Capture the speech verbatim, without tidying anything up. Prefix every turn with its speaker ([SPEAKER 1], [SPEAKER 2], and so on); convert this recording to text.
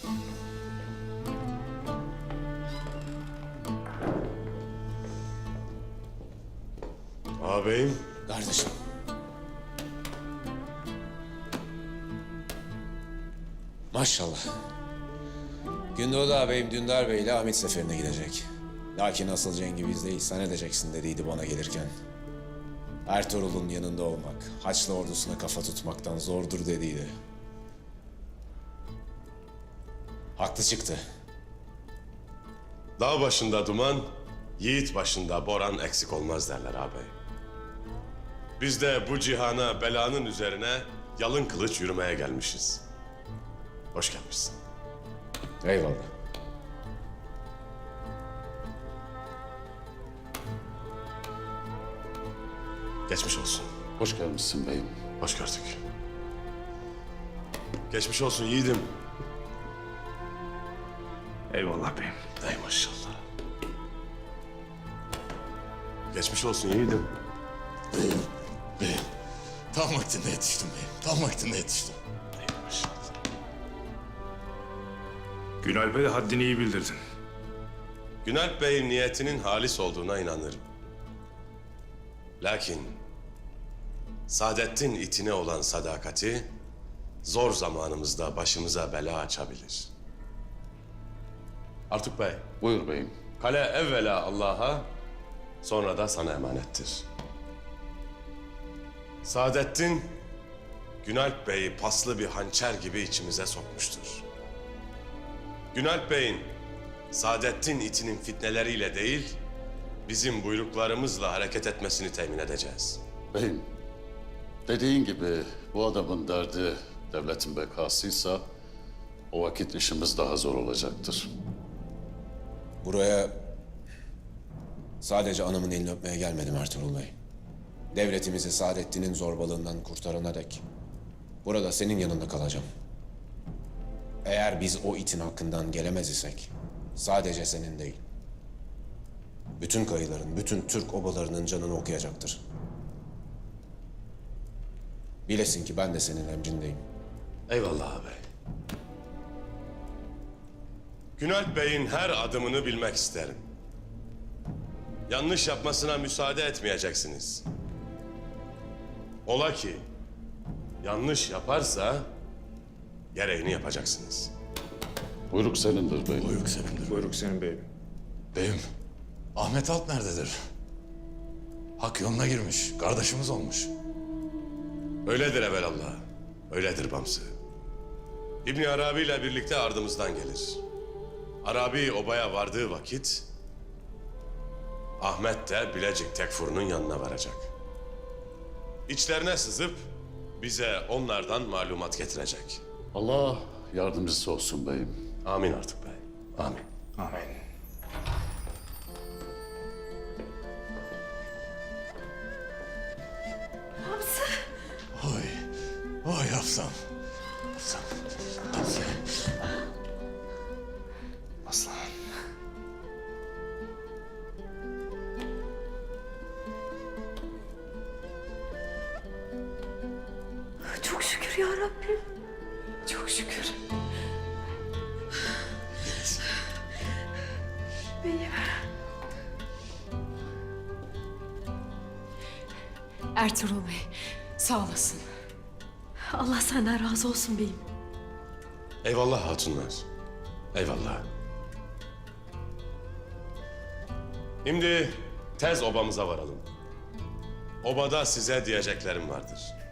[SPEAKER 1] Ağabeyim.
[SPEAKER 2] Kardeşim. Maşallah. Gündoğdu ağabeyim Dündar Bey ile Hamit seferine gidecek. Lakin asıl cengi bizdeyiz. Sen edeceksin dediydi bana gelirken. Ertuğrul'un yanında olmak, Haçlı ordusuna kafa tutmaktan zordur dediydi. Haklı çıktı.
[SPEAKER 1] Dağ başında duman, yiğit başında boran eksik olmaz derler ağabey. Biz de bu cihana belanın üzerine yalın kılıç yürümeye gelmişiz. Hoş gelmişsin.
[SPEAKER 2] Eyvallah.
[SPEAKER 1] Geçmiş olsun.
[SPEAKER 3] Hoş gelmişsin beyim.
[SPEAKER 1] Hoş gördük. Geçmiş olsun yiğidim.
[SPEAKER 4] Eyvallah beyim.
[SPEAKER 1] Ey maşallah. Geçmiş olsun yiğidim.
[SPEAKER 5] Beyim, beyim. Tam vaktinde yetiştim beyim. Tam vaktinde yetiştim.
[SPEAKER 1] Ey maşallah.
[SPEAKER 4] Günalp'e de haddini iyi bildirdin.
[SPEAKER 1] Günalp Bey'in niyetinin halis olduğuna inanırım. Lakin Saadettin itine olan sadakati zor zamanımızda başımıza bela açabilir. Artuk Bey,
[SPEAKER 3] Buyur beyim.
[SPEAKER 1] kale evvela Allah'a, sonra da sana emanettir. Saadettin, Günalp Bey'i paslı bir hançer gibi içimize sokmuştur. Günalp Bey'in Saadettin itinin fitneleriyle değil, bizim buyruklarımızla hareket etmesini temin edeceğiz.
[SPEAKER 3] Beyim, dediğin gibi bu adamın derdi devletin bekasıysa o vakit işimiz daha zor olacaktır.
[SPEAKER 2] Buraya sadece anamın elini öpmeye gelmedim Ertuğrul Bey. Devletimizi Saadettin'in zorbalığından kurtarana dek burada senin yanında kalacağım. Eğer biz o itin hakkından gelemez isek sadece senin değil, bütün kayıların, bütün Türk obalarının canını okuyacaktır. Bilesin ki ben de senin emrindeyim.
[SPEAKER 1] Eyvallah ağabey. Günalp Bey'in her adımını bilmek isterim. Yanlış yapmasına müsaade etmeyeceksiniz. Ola ki yanlış yaparsa gereğini yapacaksınız.
[SPEAKER 3] Buyruk senindir beyim.
[SPEAKER 5] Buyruk senindir.
[SPEAKER 4] Buyruk senin beyim.
[SPEAKER 5] Beyim, Ahmet Alp nerededir? Hak yoluna girmiş, kardeşimiz olmuş.
[SPEAKER 1] Öyledir evelallah. Öyledir Bamsı. İbni Arabi ile birlikte ardımızdan gelir. Arabi obaya vardığı vakit Ahmet de Bilecik Tekfur'un yanına varacak. İçlerine sızıp bize onlardan malumat getirecek.
[SPEAKER 3] Allah yardımcısı olsun beyim.
[SPEAKER 1] Amin artık bey. Amin.
[SPEAKER 4] Amin.
[SPEAKER 6] Hamza.
[SPEAKER 5] Oy, oy Hafsam. Hafsam. Hafsam.
[SPEAKER 4] Aslan.
[SPEAKER 6] Çok şükür ya Rabbim. Çok şükür. Beyim.
[SPEAKER 7] Ertuğrul Bey, sağ olasın.
[SPEAKER 6] Allah senden razı olsun beyim.
[SPEAKER 1] Eyvallah hatunlar. Eyvallah. Şimdi tez obamıza varalım. Obada size diyeceklerim vardır.